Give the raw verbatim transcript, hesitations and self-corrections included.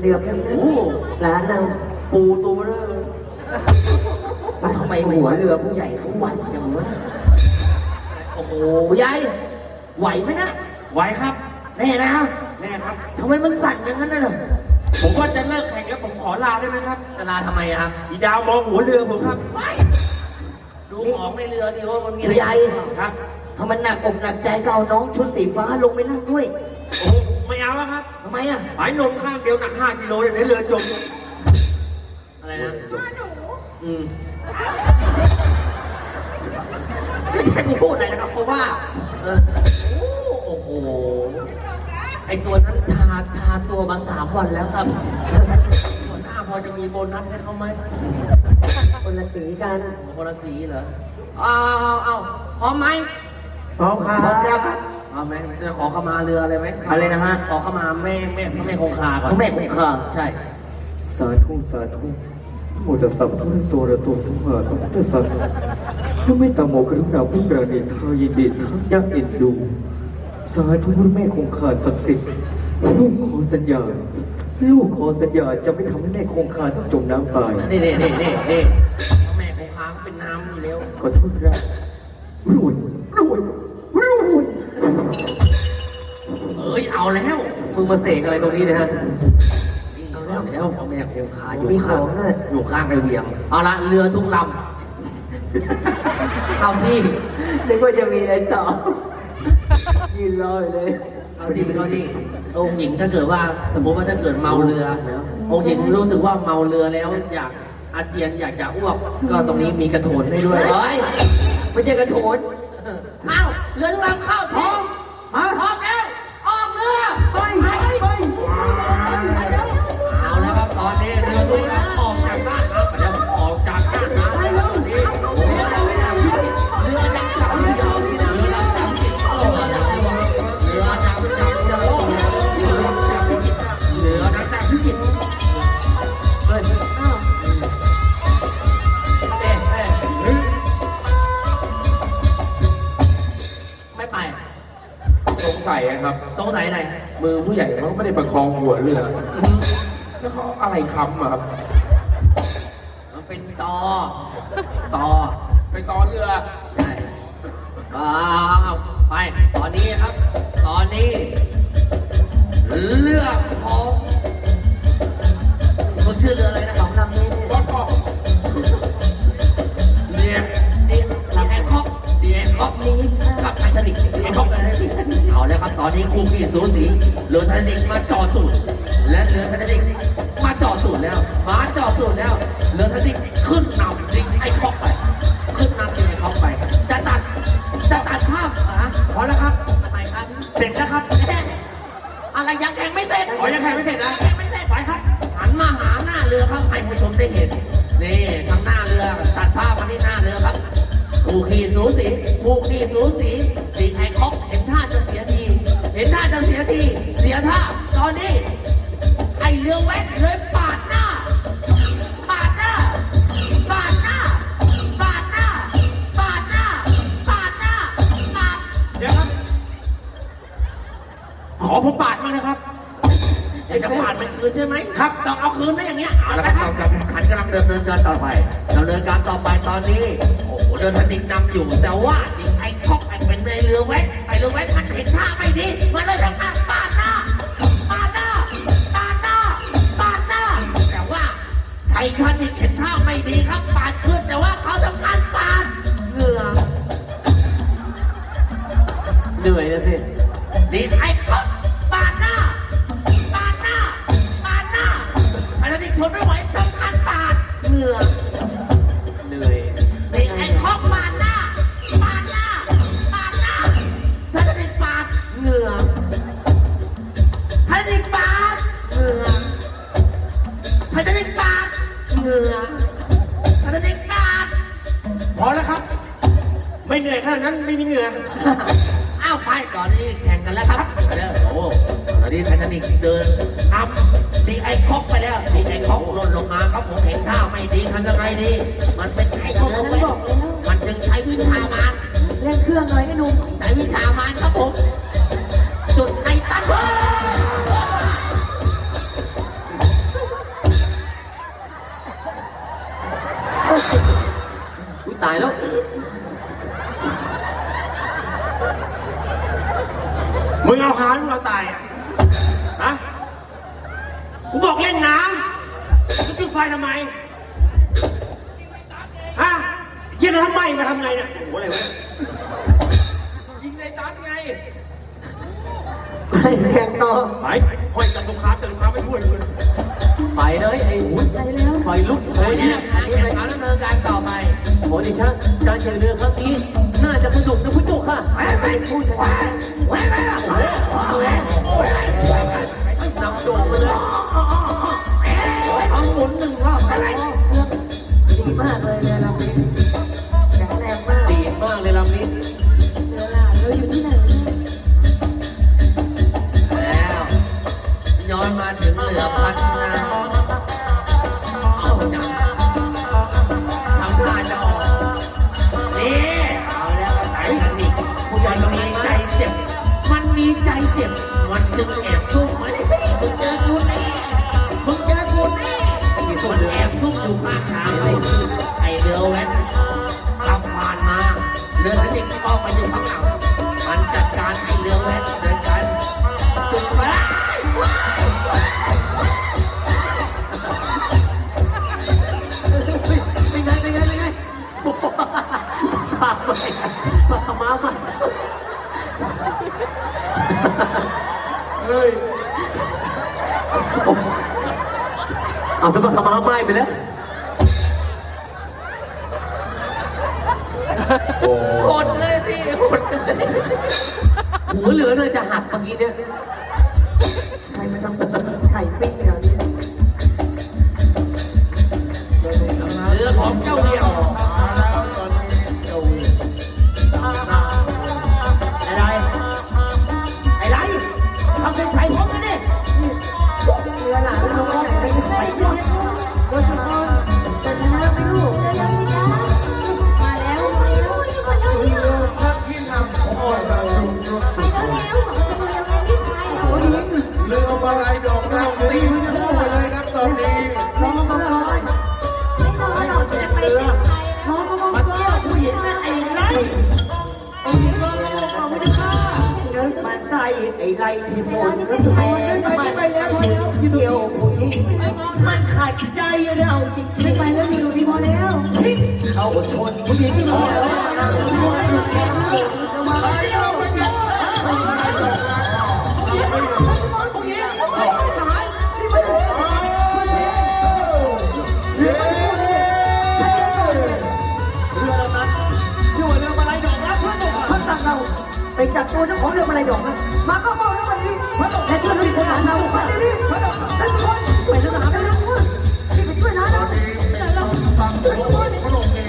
รือเพียงนั้นร้านเราปูตัวเริ่มมาทำไมหัวเรือผู้ใหญ่เขาหวั่นจังวะโอ้โหยายไหวไหมนะไหวครับแน่นะแน่ครับทำไมมันสั่นอย่างนั้นน่ะผมว่าจะเลิกแข่งแล้วผมขอลาได้ไหมครับจะลาทำไมครับอีดาวมองหัวเรือผมครับดูของในเรือดิว่ามันมีอะไรครับถ้ามันหนักอกหนักใจก็เอาน้องชุดสีฟ้าลงไปนั่งด้วยโอ้ไม่เอาแล้วครับทำไมอ่ะหายนมข้างเดียวหนักห้ากิโลเลยในเรือจมอะไรนะอืมไม่ใช่กูพูดอะไรนะครับเพราะว่าเออโอ้โหไอตัวนั้นทาทาตัวมาสามวันแล้วครับหัวหน้าพอจะมีโบนัสให้เขาไหมคนละสีกันคนละสีเหรอเอาเอาเอาพร้อมไหมพร้อมครับพร้อมแล้วครับเอาไหมจะขอขมาเรืออะไรไหมอะไรนะฮะขอขมาแม่แม่แม่คงคาก่อนแม่คงคาใช่สาธุสาธุโมตัสสะภะคะวะโตอะระหะโตสัมมาสัมพุทธัสสะพระเมตตาโมกรุณาผู้ปราณีทายินดีทั้งยักษ์เอ็นดูสาธุพระแม่คงคาศักดิ์สิทธิ์ลูกขอสัญญาลูกขอสัญญาจะไม่ทำให้แม่คงคาต้องจมน้ำตายนี่นี่นี่นี่นี่แม่คงคาเป็นน้ำอยู่แล้วขอโทษครับรวยรวยรวยเอ้ยเอาแล้วมึงมาเสกอะไรตรงนี้นะฮะเอาแล้วแล้วแม่คงคาอยู่ข้างอยู่ข้างไอเวียงเอาละเรือทุกลำเข้าที่นึกว่าจะมีอะไรต่อยืนรอเลยเอาที่เป็นเอาที่องค์หญิงถ้าเกิดว่าสมมติว่าถ้าเกิดเมาเรือองค์หญิงรู้สึกว่าเมาเรือแล้วอยากอาเจียนอยากจะอ้วกก็ตรงนี้มีกระโถนให้ด้วยเฮ้ยไม่ใช่กระโถนเอ้าเรือทุกลำเข้าพร้อมพร้อมแล้วออกเรือไปไปไปเอาแล้วครับตอนนี้เรือทุกลำออกจากบ้านครับเดี๋ยวออกจากบ้านนะตอนนี้เรือดังจับเรือดังจับเรือดังจับเรือดังจับเรือดังจับเรือดังจับเรือดังจับเรือดังจับเรือดังจับพิจิตรเฮ้ยอ้าวเอ๊ะเอ๊ะไม่ไปสงสัยครับสงสัยอะไรมือผู้ใหญ่เขาไม่ได้ประคองหัวเรือแล้วเขาอะไรค้ำอะครับมันเป็นตอตอเป็นตอเรือใช่ไปตอนนี้ครับตอนนี้เรือของคนชื่อเรืออะไรนะของลำนี้ก็ก็เรียกเรียกแอนคอกเรียกคอกนี้กับไททานิคแอนคอกอะไรสิเอาแล้วครับตอนนี้คู่ขี้สูสีเรือไททานิคมาจ่อสูดและเรือไททานิคมาจ่อสูดแล้วมาจ่อสูดแล้วเรือไททานิคขึ้นนำลิงไอ้คอกไปขึ้นนำลิงไอ้คอกไปจะตัดจะตัดภาพอ่ะพอแล้วครับทำไมครับเสร็จแล้วครับอะไรยังแข่งไม่เสร็จอ๋อยังแข่งไม่เสร็จนะแข่งไม่เสร็จไปครับหันมาหาหน้าเรือครับให้ผู้ชมได้เห็นนี่ทางหน้าเรือตัดภาพมาที่หน้าเรือครับคู่ขี้สูสีคู่ขี้สูสีสีไอ้คอกเห็นท่าจะเสียทีเห็นท่าจะเสียทีเสียท่าตอนนี้ไอ้เรือแวกเลยปาดหน้าปาดหน้าปาดหน้าปาดหน้าปาดหน้าปาดหน้าปาดเดี๋ยวครับขอผมปาดมานะครับอยากจะปาดมันคืนใช่ไหมครับต้องเอาคืนได้อย่างเงี้ยเอาละครับเราจะขันกำลังเดินเดินเดินต่อไปเราเดินการต่อไปตอนนี้โอ้โหเดินทันดิกนำอยู่แต่ว่าดิไอ้คอกไอ้เป็นในเรือแว้ไอ้เรือแว้มันเห็นท่าไม่ดีมันเลยทำการปาดหน้าปาดหน้าปาดหน้าปาดหน้าแต่ว่าไอ้ทันดิกเห็นท่าไม่ดีครับปาดขึ้นแต่ว่าเขาทำการปาดเหงื่อเหนื่อยนะสิดิไอ้คอกปาดหน้าปาดหน้าปาดหน้าไอ้ทันดิกทนไม่ไหวทำการปาดเหงื่อเหนื่อยดิไอ้คอกปาดหน้าปาดหน้าปาดหน้าถ้าจะได้ปาดเหงื่อถ้าจะได้ปาดเหงื่อถ้าจะได้ปาดเหงื่อถ้าจะได้ปาดพอแล้วครับไม่เหนื่อยขนาดนั้นไม่มีเหงื่ออ้าวไปตอนนี้แข่งกันแล้วครับไปแล้วโอ้ตอนนี้ไททานิคเดินทำดีไอคอกไปแล้วดีไอคอกหล่นลงมาครับผมเห็นท่าไม่ดีทำยังไงดีมันเป็นไอ้คอกมันจึงใช้วิชามารเล่นเครื่องอะไรกันหนุ่มใช้วิชามารครับผมจุดในตันกูตายแล้วมึงเอาหาหรือเราตายอ่ะฮะกูบอกเล่นน้ำมึงจุดไฟทำไมฮะเยี่ยนทำไมมาทำไงเนี่ยโอ้โหอะไรวะยิงในตัดไงไปแข่งต่อไปห้อยจับลูกค้าแต่ลูกค้าไม่ช่วยเลยไปเลยไอ้หุ่นไฟลุกเลยเนี่ยการแข่งขันดำเนินการต่อไปโอ้ดิฉันการแข่งเรือครั้งนี้น่าจะสนุกนะผู้จุกค่ะไปไปผู้ชนะไปไปไปนำโด่งไปเลยเอาหมุนหนึ่งรอบอะไรดีมากเลยเรือลำนี้แข็งแรงมากดีมากเลยลำนี้เรือลาเราอยู่ที่ไหนแล้วย้อนมาถึงเรือพัฒนาเอาจังทำท่าจะออกนี่เอาแล้วไต่กันอีกผู้ใหญ่มีใจเจ็บมันมีใจเจ็บมันจึงแอบซุ่มมันมึงเจอกูแน่มึงเจอกูแน่มันแอบซุ่มอยู่ข้างทางเลยไอเรือแว้นขับผ่านมาเรือสนิทก็ไปอยู่ข้างหลังมันจัดการไอเรือแว้นโดยการจุดไฟเป็นไงเป็นไงเป็นไงพาไปมาขมามาเฮ้ยเอาจะมาขมาไม่ไปแล้วหดเลยพี่หดเลยหัวเหลือเลยจะหักเมื่อกี้เนี่ยใครมาทำไข่ปิ้งอย่างนี้เรือของเจ้าเดียวอะไรอะไรทำเป็นไข่พร้อมกันดิเรือหลังเราไม่ไหนไปไปก่อนโดยเฉพาะแต่ชนะไม่รู้มาแล้วมาแล้วมาแล้วเรือพระที่นำของเราไปแล้วโอ้ยเรือมาลายดอกเราตีมันจะพูดเลยครับตอนนี้น้องมาลอยเรือน้องมาเที่ยวผู้หญิงนั่นไอ้ไรโอ้ยน้องมาไม่ได้ฆ่าเดินมาใส่ไอ้ไรที่ฝนก็แพ้มันไปแล้วเที่ยวผู้หญิงมันขัดใจเราจริงๆไปแล้วมีดูดีพอแล้วชิเขาชนผู้หญิงที่มาแล้วไปจับตัวเจ้าของเรือมาลายดอกนะมาเข้าเฝ้าแล้ววันนี้และช่วยลูกคนหาเราไปดิแล้วทุกคนช่วยทหารไปทุกคนที่ไปช่วยนะเราเราช่วยทุกคน